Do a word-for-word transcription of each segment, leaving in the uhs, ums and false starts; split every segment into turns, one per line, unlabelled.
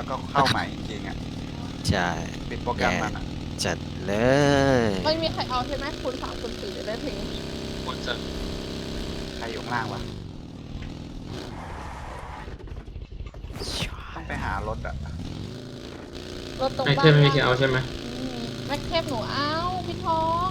แล้วก็เข้าใหม่จริงๆอ่ะ
ใช่
ปิดโปรแกรมมันอ่ะ
จัดเลย
ไม่มีใครเอาใช่ไหมคูณสามคูณสี่จะได้ถึง
คนจะ
ใครอยู่ข้างล่างวะต้องไปหารถอ่ะ
รถตรง
ไอ
บ้า
เทม
น
ไม่มีใครเอาใช่ไหม
อืมแม็กเทปหนูเอาพี่ทอง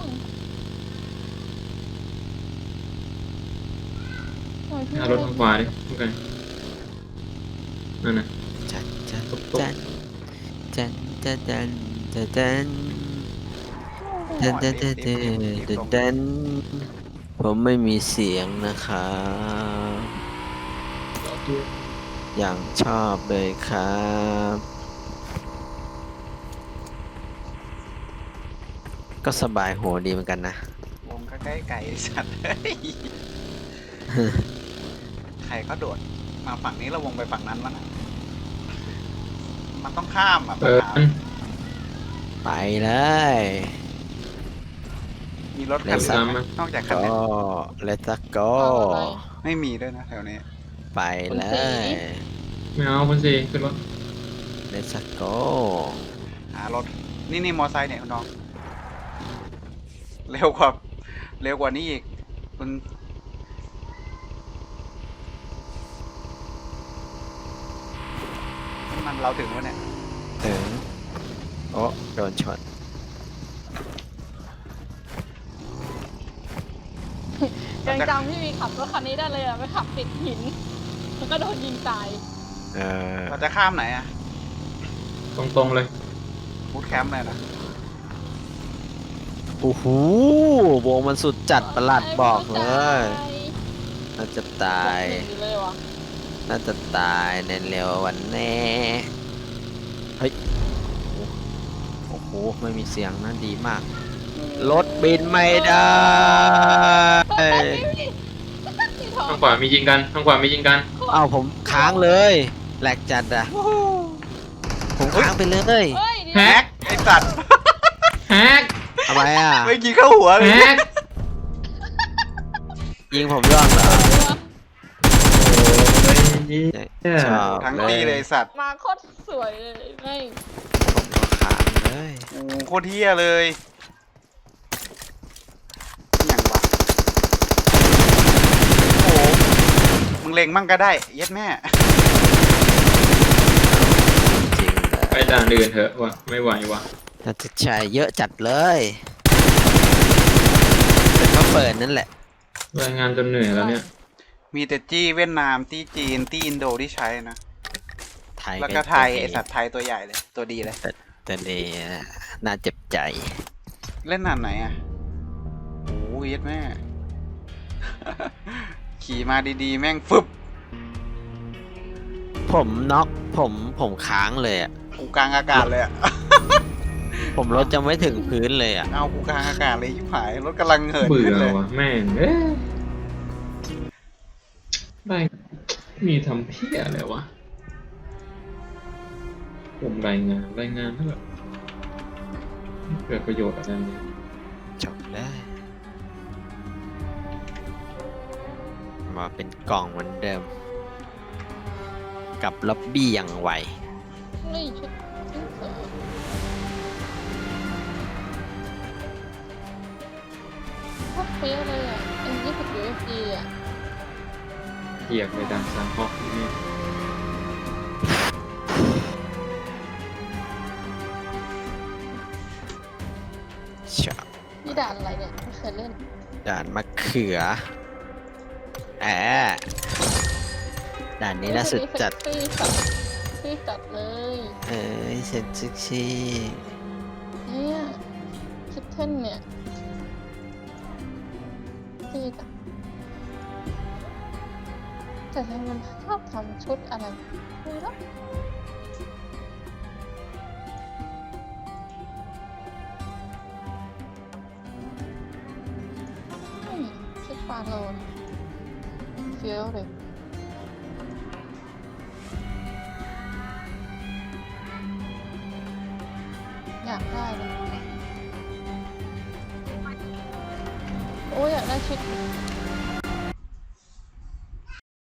โอ้ยพี่
หารถทางขวาดิโอเคนั่นน่ะ
จันจัน
ตุ๊บตุ๊บ
จันจันจันจันจันจันจันจันจันจันจันจันผมไม่มีเสียงนะครับ
รอดู
อย่างชอบเลยครับ ก็สบายหัวดีเหมือนกันนะ
วงก็ใกล้ไก่สัตว์ ใครเขาโดดมาฝั่งนี้เราวงไปฝั่งนั้นแล้วนะมันต้องข้ามอ่ะปั
เปิ
ญ
ด
หา
ไปเลย
มีรถคัน
เร็ว
ไหน
ซ้ำ
ไหม
มั้ย
นอกจากคัน
ก็
นี้
let's go
เอาอะไร
ไม่มีด้วยนะแถวนี้
ไปเลย
ไม่เอาคนสี่ขึ้นรถ
let's go
หารถนี่นี่มอไซค์เนี่ยคุณน้องเร็วกว่าเร็วกว่านี้อีกคุณมันเราถึงวะเนี่ย
ถึงโอ้โดนชน
ยังจำพี่มีขับรถคันนี้ได้เลยอะไปขับติดหินแล้วก็โดนยิงตาย
เออ
เราจะข้ามไหนอะ
ตรงๆเลย
บูทแคมป์เลยนะ
โอ้โหวงมันสุดจัดประหลัดบอกเลย น่าจะตาย
หนีเลยวะ
น่าจะตายในเร็ววันแน่เฮ้ย โอ้โห ไม่มีเสียงนะดีมาก รถบินไม่ได้
พี่ทอง
ทางขวามียิงกันทางขวามียิงกัน
เอ้า
เอ้าผมค้างเลยแหลกจัดอะ ผมค้างไปเลย
เฮ้ย
แฮ
แฮ
ก
กไอสัตว์
แฮก
ทำไมอะ
ไม่อกี้เข้าหัวเลย
แฮก
ยิงผมย่องเหรอ ชอบ
ทั้งตีเลยไอ้สัตว์
มาโคตรสวยเลยไม่
ผมก็ค้างเลย
โอ้โหโคตรเที่ยเลยอย่างวะโอ้โหมึงเล็งมั่งก็ได้ เย็ดแม่
จริงเลย
ไปด่านอื่นเถอะวะไม่ไหววะ
น่าจะใช่เยอะจัดเลยแต่ก็เปิดนั่นแหละ
รายงานจนเหนื่อยแล้วเนี่ย
มีแต่จี้เวียดนามจี้จีนจี้อินโดที่ใช้นะ
ไทย
แล้วก็ไทยไอสัตว์ไทยตัวใหญ่เลย ตัวดีเลย
แต่นี่น่าเจ็บใจ
เล่นนานไหนอ่ะโอ้ยเย็ดแม่ ขี่มาดีๆ แม่งฟึบ
ผมน็อกผมผมค้างเลยอ่ะ
กูกลางอากาศเลยอ่ะ
ผมรถจะไม่ถึงพื้นเลยอ่ะ
เอากูกลางอากาศเลยยิบหาย รถกำลังเหิน
เบื่
ขึ้น
อ
เลย
วะแม่งเอ้ยได้มีทำเพี้ยอะไรวะผมรายงานรายงานเท่าไหร่เกิดประโยชน์อะไรเนี่ย
จบได้ มาเป็นกล่องเหมือนเดิม กับล็อบบี้อย่างไว
นี่ชุดชุดเสริมโคตรเฟี้ยวเลยอ่ะเอ็นยี่สิบยูเอฟจีอ่ะ
เหยียบไปดังสามฮอกนี่
ชอบ
นี่ด่านอะไรเนี่ยไม่เคยเล่น
ด่านมะเขือแอะด่านนี้น่าสุดจัด
เซ็กซี่จัดเซ็กซี่จัดเลย
เอ้ยเซ็นซิกซี่
เนี่ยคิดเท่นเนี่ยดีจังแต่ทำไมมันชอบทำชุดอะไรไม่รู้อืมชุดฟาโลนเฟี้ยวเลยอยากได้เลยโอ้ยอยากได้ชุด